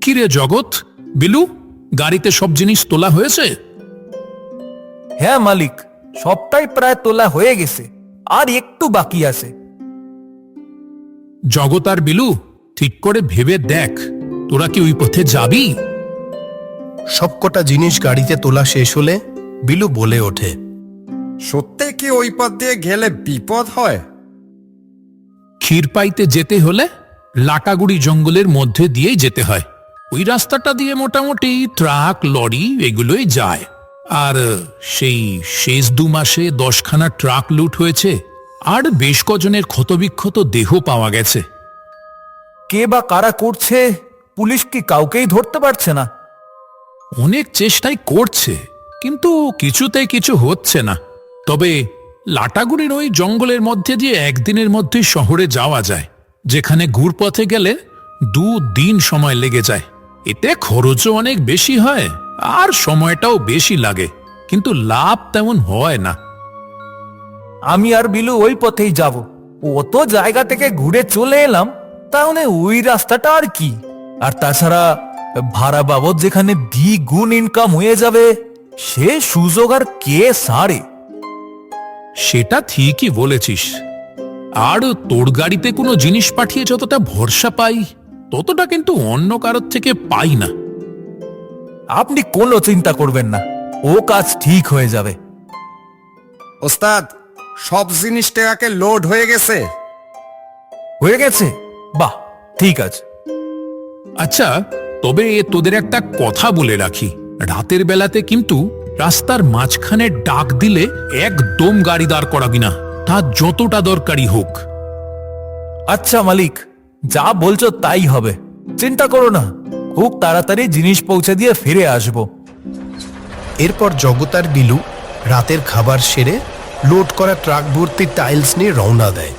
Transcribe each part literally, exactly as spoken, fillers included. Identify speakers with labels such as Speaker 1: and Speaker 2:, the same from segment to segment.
Speaker 1: কিরে জগৎ, বিলু, গাড়িতে সব জিনিস তোলা হয়েছে?
Speaker 2: হ্যাঁ মালিক, সবটাই প্রায় তোলা হয়ে গেছে, আর একটু বাকি আছে।
Speaker 1: জগৎ আর বিলু, ঠিক করে ভেবে দেখ, তোরা কি ওই পথে যাবি?
Speaker 3: সবকটা জিনিস গাড়িতে তোলা শেষ হলে বিলু বলে ওঠে,
Speaker 4: সত্যি কি ওই পথ দিয়ে গেলে বিপদ হয়?
Speaker 1: ক্ষীরপাইতে যেতে হলে লাটাগুড়ি জঙ্গলের মধ্যে দিয়েই যেতে হয়। ওই রাস্তাটা দিয়ে মোটামুটি ট্রাক, লরি এগুলোই যায়। আর সেই শেষ দু মাসে দশখানা ট্রাক লুট হয়েছে, আর বেশ কজনের ক্ষতবিক্ষত দেহ পাওয়া গেছে।
Speaker 2: কে বা কারা করছে, পুলিশ কি কাউকেই ধরতে পারছে না?
Speaker 1: অনেক চেষ্টাই করছে, কিন্তু কিছুতেই কিছু হচ্ছে না। তবে লাটাগুড়ির ওই জঙ্গলের মধ্যে দিয়ে একদিনের মধ্যেই শহরে যাওয়া যায়, যেখানে ঘুরপথে গেলে দু দিন সময় লেগে যায়। এতে খরচও অনেক বেশি হয় আর সময়টাও বেশি লাগে, কিন্তু লাভ তেমন হয় না।
Speaker 2: আমি আর বিলু ওই পথেই যাব। অত জায়গা থেকে ঘুরে চলে এলাম, তাহলে ওই রাস্তাটা আর কি। আর তাছাড়া ভাড়া বাবদ যেখানে দ্বিগুণ ইনকাম হয়ে যাবে, সে সুযোগ আর কে সারে?
Speaker 1: সেটা ঠিকই বলেছিস। আর তোর গাড়িতে কোনো জিনিস পাঠিয়ে যতটা ভরসা পাই, ততটা কিন্তু অন্য কারোর থেকে পাই না।
Speaker 2: আপনি কোনো চিন্তা করবেন না, ও কাজ ঠিক হয়ে যাবে।
Speaker 4: ওস্তাদ, সব জিনিস টাকাকে লোড হয়ে গেছে।
Speaker 2: হয়ে গেছে? বাহ, ঠিক আছে।
Speaker 1: আচ্ছা, তবে তোদের একটা কথা বলে রাখি, রাতের বেলাতে কিন্তু রাস্তার মাঝখানে ডাক দিলে একদম গাড়ি দাঁড় করাবি না, তা যতটা দরকারি হোক।
Speaker 2: আচ্ছা মালিক, যা বলছো তাই হবে, চিন্তা করো না। খুব তাড়াতাড়ি জিনিস পৌঁছে দিয়ে ফিরে আসবো।
Speaker 3: এরপর জগৎ আর বিলু রাতের খাবার সেরে লোড করা ট্রাক ভর্তি টাইলস নিয়ে রওনা দেয়।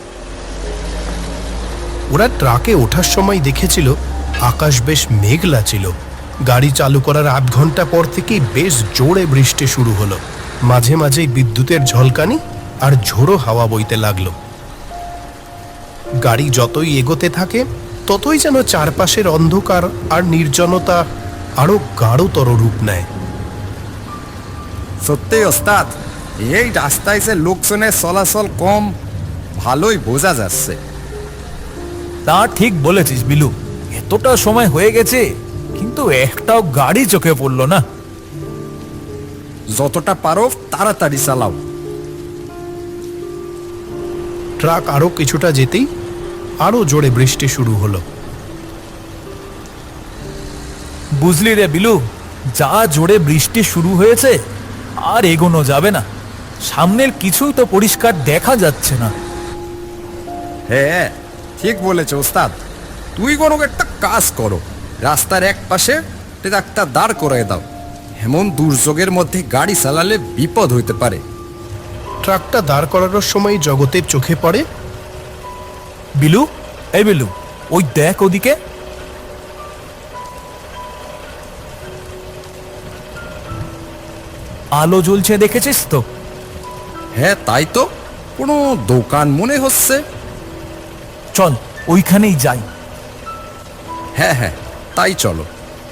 Speaker 3: ওরা ট্রাকে ওঠার সময় দেখেছিল আকাশ বেশ মেঘলা ছিল। গাড়ি চালু করার আধ ঘন্টা পর থেকেই বেশ জোরে বৃষ্টি শুরু হলো। মাঝে মাঝেই বিদ্যুতের ঝলকানি আর ঝোড়ো হাওয়া বইতে লাগলো। গাড়ি যতই এগোতে থাকে, ততই যেন চারপাশের অন্ধকার আর নির্জনতা আরো গাঢ়তর রূপ নেয়।
Speaker 4: সত্যি ওস্তাদ, এই রাস্তায় যে লোকজনের চলাচল কম, ভালোই বোঝা যাচ্ছে।
Speaker 2: তা ঠিক বলেছিস বিলু, এতটা সময় হয়ে গেছে, কিন্তু একটাও গাড়ি চোখে পড়লো না।
Speaker 4: যতটা পারো তাড়াতাড়ি চালাও।
Speaker 3: ট্রাক আরো কিছুটা যেতেই আরো জোরে বৃষ্টি শুরু হলো।
Speaker 2: বুঝলি রে বিলু, যা জোরে বৃষ্টি শুরু হয়েছে, আর এগোনো যাবে না। সামনের কিছুই তো পরিষ্কার দেখা যাচ্ছে না।
Speaker 4: হ্যাঁ, ঠিক বলেছ ওস্তাদ। তুই কোনো একটা কাজ করো, রাস্তার এক পাশে ট্রাকটা দাঁড় করে দাও। এমন দুর্যোগের মধ্যে গাড়ি চালালে বিপদ হইতে পারে।
Speaker 3: ট্রাকটা দাঁড় করানোর সময় জগতের চোখে পড়ে,
Speaker 2: বিলু, এই বিলু, ওই দেখ ওদিকে। আলো জ্বলছে, দেখেছিস তো?
Speaker 4: হ্যাঁ, তাই তো, কোনো দোকান মনে হচ্ছে।
Speaker 2: চল ওইখানেই যাই।
Speaker 4: হ্যাঁ হ্যাঁ, তাই চলো।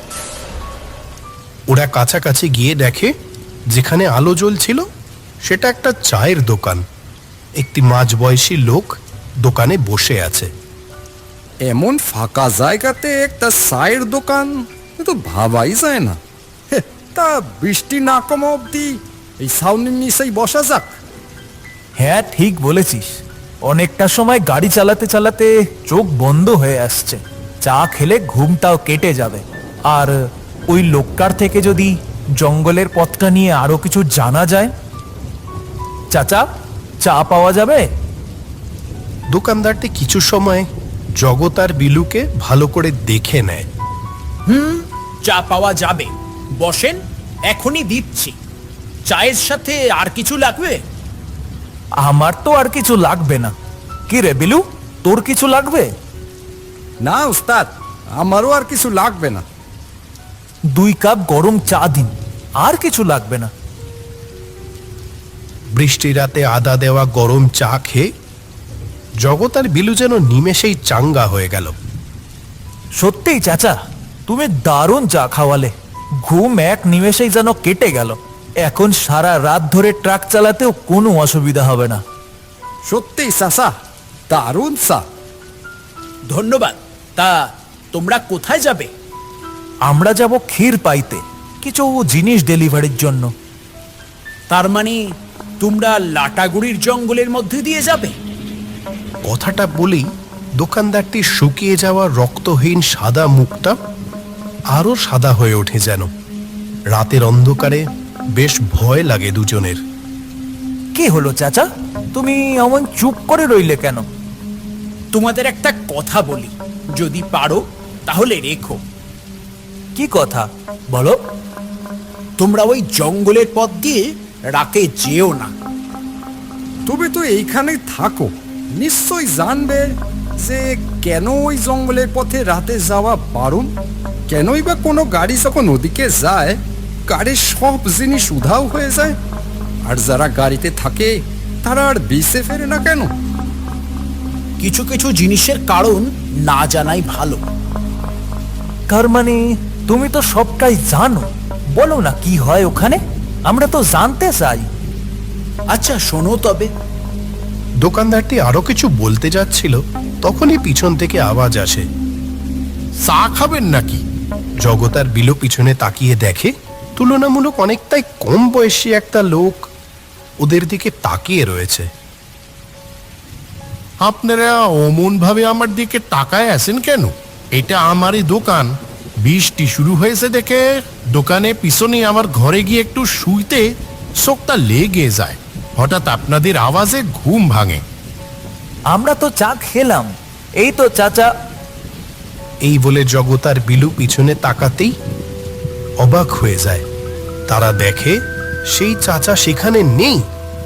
Speaker 3: ওরা কাছাকাছি গিয়ে দেখে যেখানে আলো জ্বলছিল সেটা একটা চায়ের দোকান। একটি মাঝবয়সী লোক দোকানে বসে আছে।
Speaker 4: এমন ফাঁকা জায়গাতে একটা চায়ের দোকান, তো ভাবাই যায় না। হে, তা বৃষ্টি না কমা অব্দি এই ছাউনির নিচেই বসা যাক।
Speaker 2: হ্যাঁ ঠিক বলেছিস, অনেকটা সময় গাড়ি চালাতে চালাতে চোখ বন্ধ হয়ে আসছে। চা খেলে ঘুমটাও কেটে যাবে। আর ওই লোকটার থেকে যদি জঙ্গলের পথটা নিয়ে আরো কিছু জানা যায়। চাচা, চা পাওয়া যাবে?
Speaker 3: দোকানদারটি কিছু সময় জগৎ আর বিলুকে ভালো করে দেখে নেয়।
Speaker 5: হুম, চা পাওয়া যাবে, বসেন, এখনই দিচ্ছি। চায়ের সাথে আর কিছু লাগবে?
Speaker 2: আমার তো আর কিছু লাগবে না। কি রে বিলু, তোর কিছু লাগবে?
Speaker 4: না উস্তাদ, আমারও আর কিছু লাগবে না।
Speaker 2: দুই কাপ গরম চা দিন, আর কিছু লাগবে না।
Speaker 3: বৃষ্টি রাতে আদা দেওয়া গরম চা খেয়ে জগৎ আর বিলু যেন নিমেষেই চাঙ্গা হয়ে গেল।
Speaker 2: সত্যিই চাচা, তুমি দারুণ চা খাওয়ালে। ঘুম এক নিমেষেই যেন কেটে গেল। এখন সারা রাত ধরে ট্রাক চালাতেও কোনো অসুবিধা হবে না।
Speaker 4: সত্যি চাচা, দারুণ চা।
Speaker 5: ধন্যবাদ। তা তোমরা কোথায় যাবে?
Speaker 2: আমরা যাব ক্ষীর পাইতে, কিছু জিনিস ডেলিভারির জন্য।
Speaker 5: তার মানে তোমরা লাটাগুড়ির জঙ্গলের মধ্যে দিয়ে যাবে?
Speaker 3: কথাটা বলেই দোকানদারটি শুকিয়ে যাওয়া রক্তহীন সাদা মুখটা আরো সাদা হয়ে ওঠে যেন। রাতের অন্ধকারে বেশ ভয় লাগে দুজনের।
Speaker 2: কি হলো চাচা, তুমি এমন চুপ করে রইলে কেন?
Speaker 5: তোমাদের একটা কথা বলি, যদি পারো তাহলে রেখো।
Speaker 2: কি কথা বলো?
Speaker 5: তোমরা ওই জঙ্গলের পথ দিয়ে রাতে যেও না।
Speaker 4: তুমি তো এইখানে থাকো, নিশ্চয় জানবে যে কেন ওই জঙ্গলের পথে রাতে যাওয়া বারণ। কেনই বা কোনো গাড়ি যখন ওদিকে যায়, গাড়ির সব জিনিস উধাও হয়ে যায়, আর যারা গাড়িতে থাকে তারা আর বেঁচে ফেরে না কেন?
Speaker 5: কিছু কিছু জিনিসের কারণ না জানাই ভালো।
Speaker 2: তার মানে তুমি তো সবটাই জানো, বলো না কি হয় ওখানে, আমরা তো জানতে চাই।
Speaker 5: আচ্ছা শোনো তবে।
Speaker 3: দোকানদারটি আরো কিছু বলতে যাচ্ছিল, তখনই পিছন থেকে আওয়াজ আসে, চা খাবেন নাকি? জগৎ আর বিলু পিছনে তাকিয়ে দেখে তুলনামূলক অনেকটাই কম বয়সী একটা লোক ওদের দিকে তাকিয়ে রয়েছে।
Speaker 6: আপনারা অমন ভাবে আমার দিকে তাকায় আছেন কেন? এটা আমারই দোকান। বৃষ্টি শুরু হয়েছে দেখে দোকানে পিছনে আমার ঘরে গিয়ে একটু শুইতে চোখটা লেগে যায়। হঠাৎ আপনাদের আওয়াজে ঘুম ভাঙে।
Speaker 2: আমরা তো চা খেলাম, এই তো চাচা।
Speaker 3: এই বলে জগৎ আর বিলু পিছনে তাকাতেই অবাক হয়ে যায়। তারা দেখে সেই চাচা সেখানে নেই।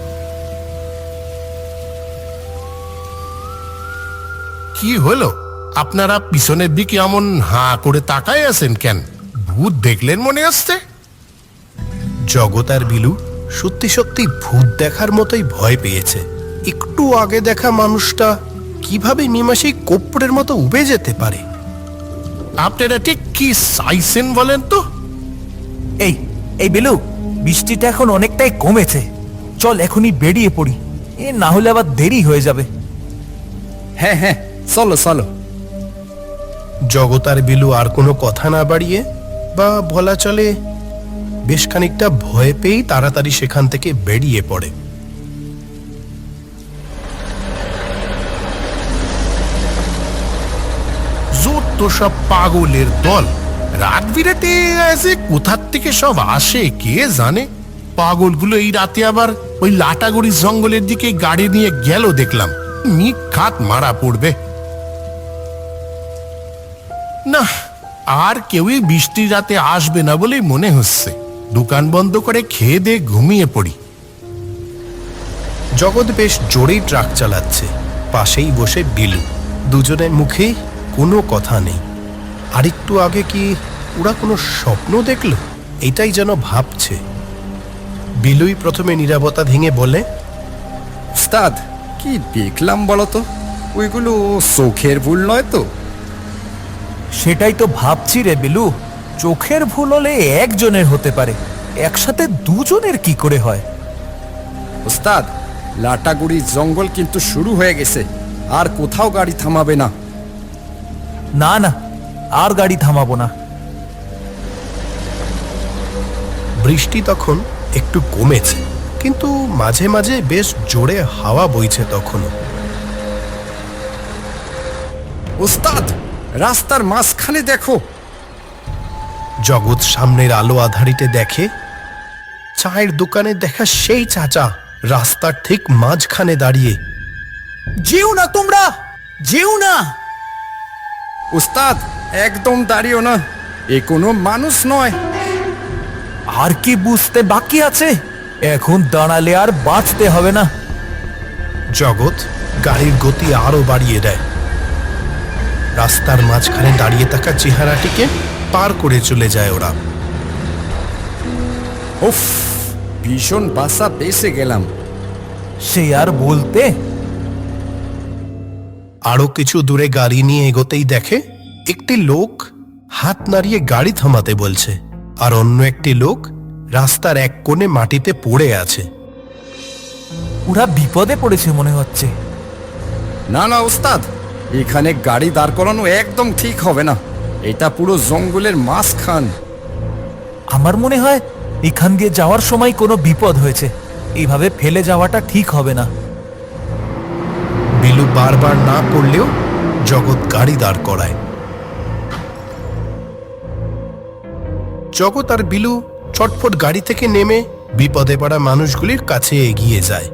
Speaker 6: কি হলো? আপনারা পিছনের দিকে এমন হাঁ করে তাকায় আছেন কেন? ভূত দেখলেন মনে হচ্ছে?
Speaker 3: জগৎ আর বিলু সত্যি সত্যি ভূত দেখার মতোই ভয় পেয়েছে। একটু আগে দেখা মানুষটা কিভাবে নিমাসেই কোপ্পড়ের মতো উবে যেতে পারে?
Speaker 6: আপনারা ঠিক কি চাইছেন বলেন তো?
Speaker 2: এই এই বিলু, বৃষ্টিটা এখন অনেকটাই কমেছে, চল এখনই বেরিয়ে পড়ি, এ না হলে আবার দেরি হয়ে যাবে।
Speaker 4: হ্যাঁ হ্যাঁ, চলো চলো।
Speaker 3: জগৎ আর বিলু আর কোনো কথা না বাড়িয়ে, বা বলা চলে বেশ খানিকটা ভয় পেয়েই তাড়াতাড়ি সেখান থেকে বেরিয়ে পড়ে।
Speaker 6: যত সব পাগলের দল, রাত বিরাতে এসে কোথার থেকে সব আসে কে জানে। পাগলগুলো এই রাতে আবার ওই লাটাগুড়ি জঙ্গলের দিকে গাড়ি নিয়ে গেল দেখলাম। নিখাত মারা পড়বে না। আর কেউই বৃষ্টির রাতে আসবে না বলেই মনে হচ্ছে। দোকান বন্ধ করে খেয়ে দিয়ে ঘুমিয়ে পড়ি।
Speaker 3: জগৎ বেশ জোরেই ট্রাক চালাচ্ছে, পাশেই বসে বিলু। দুজনের মুখে কোনো কথা নেই। আরেকটু আগে কি ওরা কোনো স্বপ্ন দেখল, এটাই যেন ভাবছে। বিলুই প্রথমে নীরবতা ভেঙে বলে,
Speaker 4: উস্তাদ, কি দেখলাম বলতো? ওইগুলো চোখের ভুল নয় তো?
Speaker 2: সেটাই তো ভাবছি রে বিলু, চোখের ভুল হলে একজনের হতে পারে, একসাথে দুজনের কি করে হয়?
Speaker 4: উস্তাদ, লাটাগুড়ি জঙ্গল কিন্তু শুরু হয়ে গেছে, আর কোথাও গাড়ি থামাবে না।
Speaker 2: না না, আর গাড়ি থামাবো না।
Speaker 3: বৃষ্টি তখন একটু কমেছে, কিন্তু মাঝে মাঝে বেশ জোরে হাওয়া বইছে তখনও।
Speaker 4: উস্তাদ, রাস্তার মাঝখানে দেখো।
Speaker 3: জগৎ সামনের আলো আধারিতে দেখে চায়ের দোকানে দেখা সেই চাচা রাস্তার ঠিক মাঝখানে দাঁড়িয়ে।
Speaker 5: যেও না তোমরা, যেও না।
Speaker 4: উস্তাদ, একদম দাঁড়িও না, এ কোনো মানুষ নয়।
Speaker 2: আর কি বুঝতে বাকি আছে? এখন দাঁড়ালে আর বাঁচতে হবে না।
Speaker 3: জগৎ গাড়ির গতি আরো বাড়িয়ে দেয়। রাস্তার মাঝখানে দাঁড়িয়ে থাকা চেহারাটিকে পার করে চলে যায় ওরা।
Speaker 4: উফ, ভীষণ বাসা বেঁচে গেলাম।
Speaker 2: সে আর বলতে।
Speaker 3: আরো কিছু দূরে গাড়ি নিয়ে এগোতেই দেখে একটি লোক হাত নাড়িয়ে গাড়ি থামাতে বলছে, আর অন্য একটি লোক রাস্তার এক কোণে মাটিতে পড়ে আছে।
Speaker 2: ওরা বিপদে পড়েছে মনে হচ্ছে।
Speaker 4: না না ওস্তাদ, এখানে গাড়ি দাঁড় করানো একদম ঠিক হবে না। এটা পুরো জঙ্গলের মাঝখান।
Speaker 2: আমার মনে হয় এখান দিয়ে যাওয়ার সময় কোনো বিপদ হয়েছে, এইভাবে ফেলে যাওয়াটা ঠিক হবে না।
Speaker 3: বিলু বারবার না করলেও জগৎ গাড়ি দাঁড় করায়। জগৎ আর বিলু ছটফট গাড়ি থেকে নেমে বিপদে পড়া মানুষগুলির কাছে এগিয়ে যায়।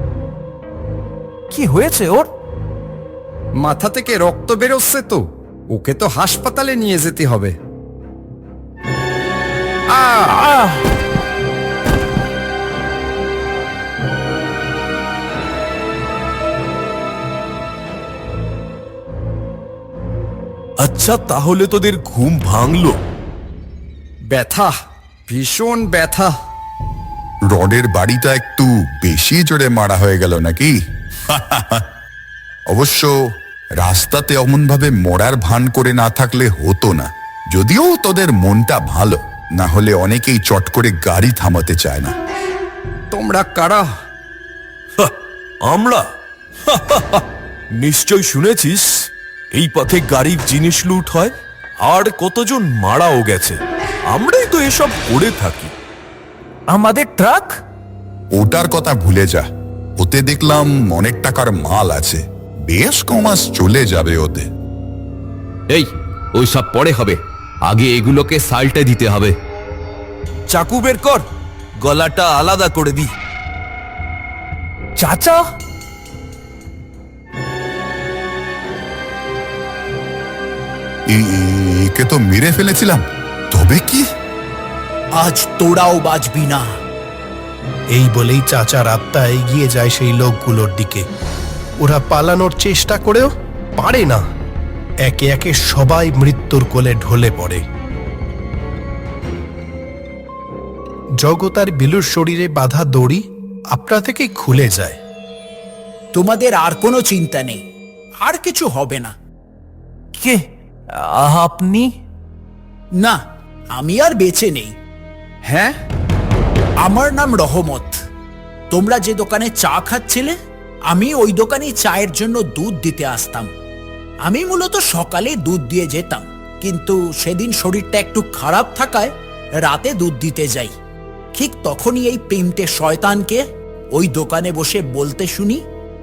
Speaker 2: কি হয়েছে ওর?
Speaker 4: মাথা থেকে রক্ত বেরোচ্ছে তো, ওকে তো হাসপাতালে নিয়ে যেতে হবে।
Speaker 2: আহ!
Speaker 7: আচ্ছা, তাহলে তোদের ঘুম ভাঙলো?
Speaker 4: ব্যথা, ভীষণ ব্যথা।
Speaker 8: রডের বাড়িটা একটু বেশি জোরে মারা হয়ে গেল নাকি? অবশ্য রাস্তাতে অমনভাবে মরার ভান করে না থাকলে হতো না। যদিও তোদের মনটা ভালো, না হলে অনেকেই চট করে গাড়ি থামাতে চায় না।
Speaker 4: তোমরা কারা?
Speaker 7: হা, আমরা নিশ্চয় শুনেছিস এই পথে গাড়ির জিনিস লুট হয়, আর কতজন মারাও গেছে। আমরাই তো এসব করে থাকি।
Speaker 2: আমাদের ট্রাক?
Speaker 8: ওটার কথা ভুলে যা, ওতে দেখলাম অনেক টাকার মাল আছে, বেশ কমাস চলে যাবে ওতে।
Speaker 9: এই, ওই সব পরে হবে, আগে এগুলোকে সাল্টে দিতে হবে।
Speaker 7: চাকু বের কর, গলাটা আলাদা করে দি।
Speaker 2: চাচা,
Speaker 8: এ- এ- একে তো মেরে ফেলেছিলাম, তবে কি?
Speaker 5: আজ তোরাও বাঁচবি না।
Speaker 3: এই বলেই চাচার আত্মা এগিয়ে যায় সেই লোকগুলোর দিকে। ওরা পালানোর চেষ্টা করেও পারে না। একে একে সবাই মৃত্যুর কোলে ঢলে পড়ে। জগৎ আর বিলুর শরীরে বাঁধা দড়ি আপনা থেকেই খুলে যায়।
Speaker 5: তোমাদের আর কোনো চিন্তা নেই, আর কিছু হবে না।
Speaker 2: কে আপনি?
Speaker 5: না, আমি আর বেঁচে নেই।
Speaker 4: হ্যাঁ,
Speaker 5: আমার নাম রহমত। তোমরা যে দোকানে চা খাচ্ছিলে, আমি ওই দোকানে চায়ের জন্য দুধ দিতে আসতাম। আমি মূলত সকালে দুধ দিয়ে যেতাম, কিন্তু সেদিন শরীরটা একটু খারাপ থাকায় রাতে দুধ দিতে যাই। ঠিক তখনই এই প্রেমটে শয়তানকে ওই দোকানে বসে বলতে শুনি,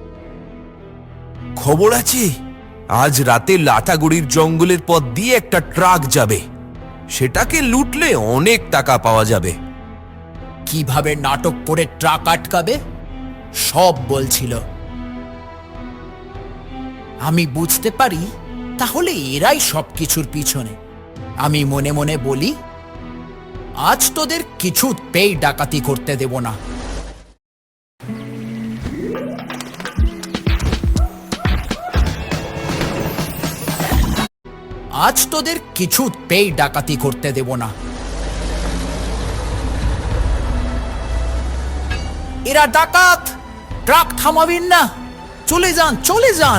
Speaker 7: খবর আছে, আজ রাতে লাটাগুড়ির জঙ্গলের পথ দিয়ে একটা ট্রাক যাবে, সেটাকে লুটলে অনেক টাকা পাওয়া যাবে।
Speaker 5: কিভাবে নাটক করে ট্রাক আটকাবে সব বলছিল। আমি বুঝতে পারি তাহলে এরাই সবকিছুর পিছনে। আমি মনে মনে বলি, আজ তোদের কিছুতেই ডাকাতি করতে দেব না। আজ তোদের কিছুতেই ডাকাতি করতে দেব না। এরা ডাকাত, ট্রাক থামাবেন না, চলে যান চলে যান।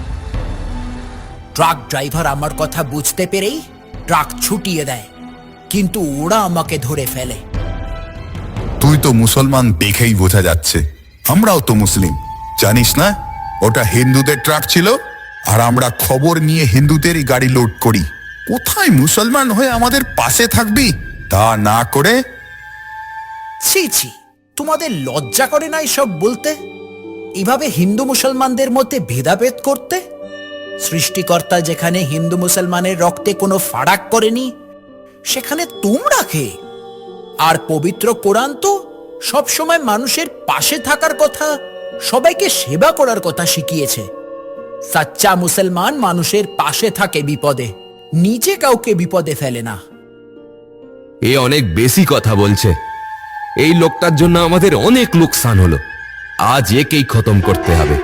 Speaker 5: ট্রাক ড্রাইভার আমার কথা বুঝতে পেরেই ট্রাক ছুটিয়ে দেয়, কিন্তু ওরা আমাকে ধরে ফেলে।
Speaker 8: তুই তো মুসলমান দেখেই বোঝা যাচ্ছে, আমরাও তো মুসলিম, জানিস না? ওটা হিন্দুদের ট্রাক ছিল, আর আমরা খবর নিয়ে হিন্দুদেরই গাড়ি লোড করি। কোথায় মুসলমান হয়ে আমাদের পাশে থাকবি? তা না করে
Speaker 5: ছি ছি, তোমাদের লজ্জা করে না এসব বলতে? এভাবে হিন্দু মুসলমানদের মধ্যে ভেদাভেদ করতে? সৃষ্টিকর্তা যেখানে হিন্দু মুসলমানের রক্তে কোনো ফারাক করেনি, সেখানে তোমরা কে? আর পবিত্র কোরআন তো সবসময় মানুষের পাশে থাকার কথা, সবাইকে সেবা করার কথা শিখিয়েছে। সাচ্চা মুসলমান মানুষের পাশে থাকে বিপদে, নিজে কাউকে বিপদে ফেলে না।
Speaker 9: এ অনেক বেশি কথা বলছে। এই লোকটার জন্য আমাদের অনেক লোকসান হলো, আজ একেই খতম করতে হবে।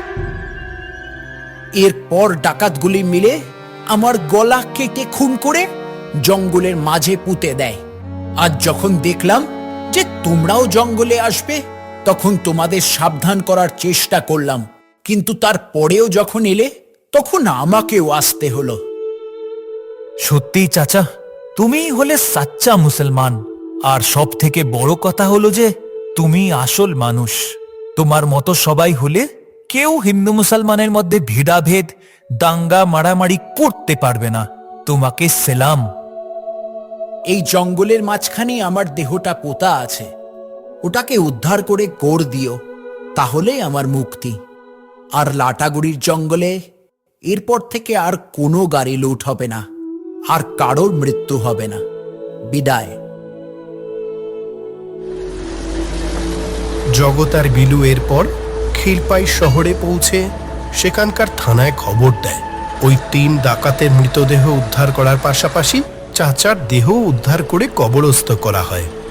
Speaker 5: এরপর ডাকাতগুলি মিলে আমার গলা কেটে খুন করে জঙ্গলের মাঝে পুঁতে দেয়। আজ যখন দেখলাম যে তোমরাও জঙ্গলে আসবে, তখন তোমাদের সাবধান করার চেষ্টা করলাম, কিন্তু তারপরেও যখন এলে তখন আমাকেও আসতে হলো।
Speaker 2: সত্যিই চাচা, তুমিই হলে সাচ্চা মুসলমান। আর সব থেকে বড় কথা হলো যে তুমি আসল মানুষ। তোমার মতো সবাই হলে কেউ হিন্দু মুসলমানের মধ্যে ভেদাভেদ দাঙ্গা মারামারি করতে পারবে না। তোমাকে সেলাম।
Speaker 5: এই জঙ্গলের মাঝখানে আমার দেহটা পোতা আছে, ওটাকে উদ্ধার করে গড় দিও, তাহলেই আমার মুক্তি। আর লাটাগুড়ির জঙ্গলে এরপর থেকে আর কোনো গাড়ি লুট হবে না, আর কারোর মৃত্যু হবে না। বিদায়।
Speaker 3: জগৎ আর বিলু এরপর ক্ষীরপাই শহরে পৌঁছে সেখানকার থানায় খবর দেয়। ওই তিন ডাকাতের মৃতদেহ উদ্ধার করার পাশাপাশি চাচার দেহ উদ্ধার করে কবরস্থ করা হয়।